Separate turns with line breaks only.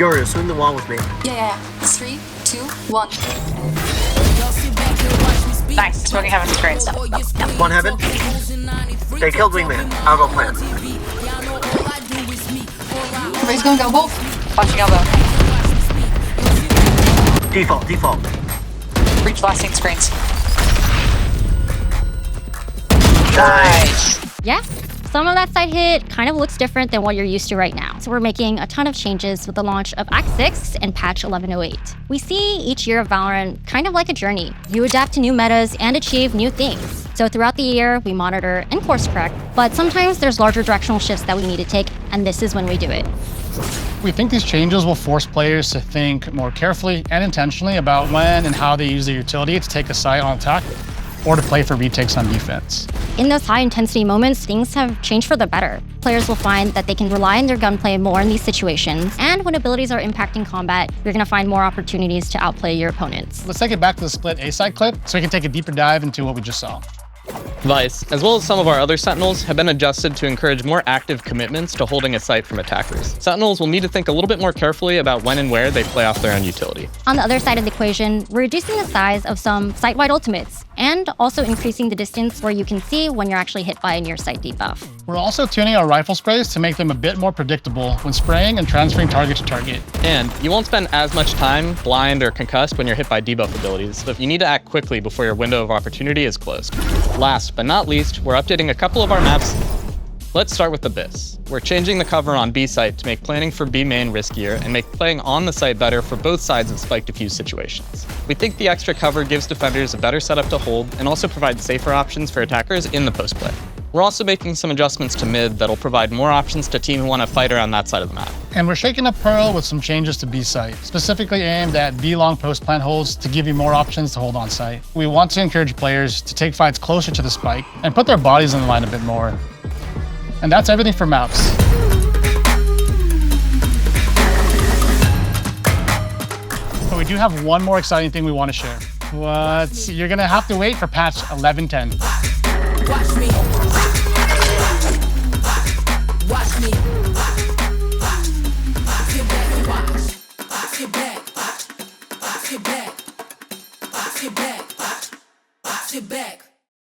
Yoru, swing the wall with me.
Yeah. 3, 2, 1.
Nice. Smoking heaven screens.
One heaven. They killed wingman. I'll go plant.
Everybody's going elbow.
Watching elbow.
Default.
Breach blasting screens.
Nice.
Yeah, some of that side hit kind of looks different than what you're used to right now. So we're making a ton of changes with the launch of Act 6 and patch 1108. We see each year of Valorant kind of like a journey. You adapt to new metas and achieve new things. So throughout the year, we monitor and course correct, but sometimes there's larger directional shifts that we need to take, and this is when we do it.
We think these changes will force players to think more carefully and intentionally about when and how they use their utility to take a site on attack or to play for retakes on defense.
In those high-intensity moments, things have changed for the better. Players will find that they can rely on their gunplay more in these situations, and when abilities are impacting combat, you're going to find more opportunities to outplay your opponents.
Let's take it back to the split A-side clip so we can take a deeper dive into what we just saw.
Vice, as well as some of our other Sentinels, have been adjusted to encourage more active commitments to holding a site from attackers. Sentinels will need to think a little bit more carefully about when and where they play off their own utility.
On the other side of the equation, we're reducing the size of some site-wide ultimates, and also increasing the distance where you can see when you're actually hit by a near-sight debuff.
We're also tuning our rifle sprays to make them a bit more predictable when spraying and transferring target to target.
And you won't spend as much time blind or concussed when you're hit by debuff abilities, so if you need to act quickly before your window of opportunity is closed. Last but not least, we're updating a couple of our maps. Let's start with Abyss. We're changing the cover on B site to make planning for B main riskier and make playing on the site better for both sides of spike defuse situations. We think the extra cover gives defenders a better setup to hold and also provides safer options for attackers in the post play. We're also making some adjustments to mid that'll provide more options to teams who want to fight around that side of the map.
And we're shaking up Pearl with some changes to B site, specifically aimed at B long post plant holds to give you more options to hold on site. We want to encourage players to take fights closer to the spike and put their bodies in the line a bit more. And that's everything for maps. But we do have one more exciting thing we want to share. You're gonna have to wait for patch 1110.
Watch me.